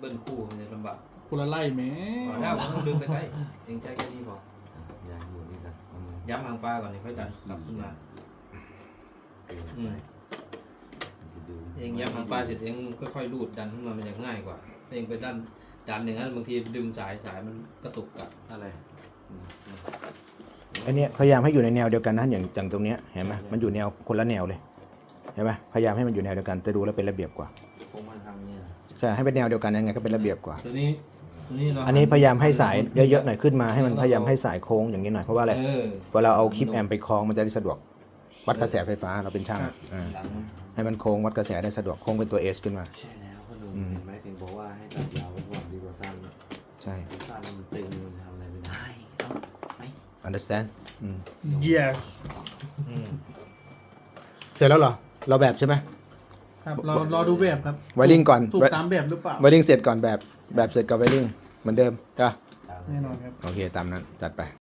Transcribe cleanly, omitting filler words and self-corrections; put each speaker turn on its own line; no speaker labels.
บิ้ลคู่มันจะลำบาก
คนละไล่แหม
พอแล้วต้องดึงไปใกล้เองใช้แค่นี้พอ
อย่าอยู่นี่กัน
ย้ำหางปลาก่อนนี่ค่อยดันกลับขึ้นมา
เกิน
อื
ไป
มเองย้ำหางปลาเสร็จเองค่อยๆรูดดันขึ้นมามันจะง่ายกว่าเองไปดันอย่างนั้นบางทีดึงสายมันกระตุกกลับ
อะไร
อันเนี้ยพยายามให้อยู่ในแนวเดียวกันนะอย่างตรงเนี้ยเห็นไหมมันอยู่แนวคนละแนวเลยเห็นไหมพยายามให้มันอยู่แนวเดียวกันจะดูแล้วเป็นระเบียบกว่า
คงมาทำเนี่ย
ใช่ให้เป็นแนวเดียวกันยังไงก็เป็นระเบียบกว่า
ตัวนี้เรา
อันนี้พยายามให้สายเยอะๆหน่อยขึ้นมาให้มันพยายามให้สายโค้งอย่างนี้หน่อยเพราะว่าอะไร
เออ
เวลาเอาคลิปแอมไปคล้องมันจะได้สะดวกวัดกระแสไฟฟ้าเราเป็นช่างอ่า
หลัง
ให้มันโค้งวัดกระแสได้สะดวกโค้งเป็นตัว S ขึ้นมา
ใช่แล้วพ่อหนุ่มเห็นไหมถึงบอกว่าให้ตัดยาวไว้ก่อนดีกว่าสั้น
ใช่
สั้นมันตึงมันทำอะไรไม่ได้ไม่
understand
เยี่ย
อืม
เสร็จแล้วเหรอเราแบบใช่ไหม
ครับรอดูแบบครับ
ไวริ่งก่อน
ถูกตามแบบหรือเปล่า
ไวริ่งเสร็จก่อนแบบเสร็จกับไวริ่งเหมือนเดิมจ้ะ
ตาม
แน่นอนครับ
โอเคตามนั้นจัดไป